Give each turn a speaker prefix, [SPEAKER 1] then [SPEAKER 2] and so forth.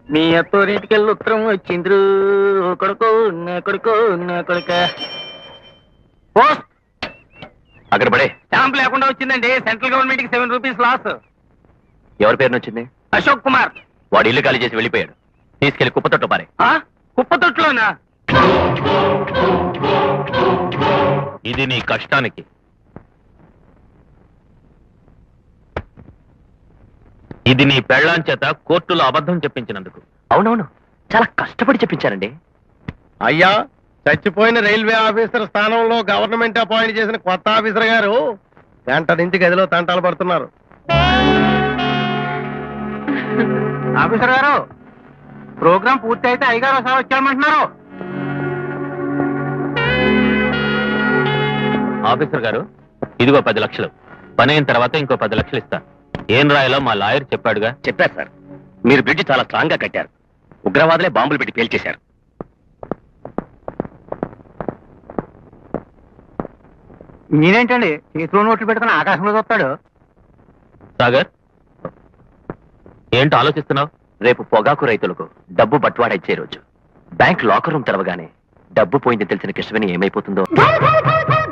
[SPEAKER 1] మీ అత్తోరింటికెళ్ళి ఉత్తరం వచ్చిండ్రు కొడుకో నా కొడుకో నా కొడుక పోస్ట్
[SPEAKER 2] అక్కడ పడే.
[SPEAKER 1] స్టాంప్ లేకుండా వచ్చిందండి. సెంట్రల్ గవర్నమెంట్ కి 7 రూపీస్ లాస్.
[SPEAKER 2] ఎవరి పేరున వచ్చింది?
[SPEAKER 1] అశోక్ కుమార్.
[SPEAKER 2] వాడు ఇల్లు ఖాళీ చేసి వెళ్ళిపోయాడు. తీసుకెళ్లి కుప్పతొట్టు పారే.
[SPEAKER 1] కుప్పతొట్టులోనా?
[SPEAKER 2] ఇది నీ కష్టానికి. ఇది నీ పెళ్ళాం చేత కోర్టులో అబద్ధం చెప్పించినందుకు. అవునవును, చాలా కష్టపడి చెప్పించారండి.
[SPEAKER 3] అయ్యా, చచ్చిపోయిన రైల్వే ఆఫీసర్ స్థానంలో గవర్నమెంట్ అపాయింట్ చేసిన కొత్త ఆఫీసర్ గారు గంట నుంచి గదిలో తంటాలు పడుతున్నారు.
[SPEAKER 1] ఆఫీసర్ గారు, ప్రోగ్రాం పూర్తి అయితే అయ్యగారు ఒకసారి వచ్చామంటున్నారు.
[SPEAKER 2] ఆఫీసర్ గారు, ఇదిగో 10 లక్షలు. పని అయిన తర్వాత ఇంకో 10 లక్షలు ఇస్తాను. ఏం రాయాలో మా లాయర్ చెప్పాడుగా.
[SPEAKER 4] చెప్పారు సార్. మీరు బ్రిడ్జ్ చాలా స్ట్రాంగ్ గా కట్టారు. ఉగ్రవాదులే బాంబులు పెట్టి పేల్చేశారు.
[SPEAKER 1] నేనేంటండి చేతిలో నోట్లు పెట్టుకుని ఆకాశంలో చూస్తాడు.
[SPEAKER 2] సాగర్, ఏంటో ఆలోచిస్తున్నావు?
[SPEAKER 4] రేపు పొగాకు రైతులకు డబ్బు బట్వాడా ఇచ్చే రోజు. బ్యాంక్ లాకర్ రూమ్ తెరవగానే డబ్బు పోయింది తెలిసిన కృష్ణవేణి ఏమైపోతుందో.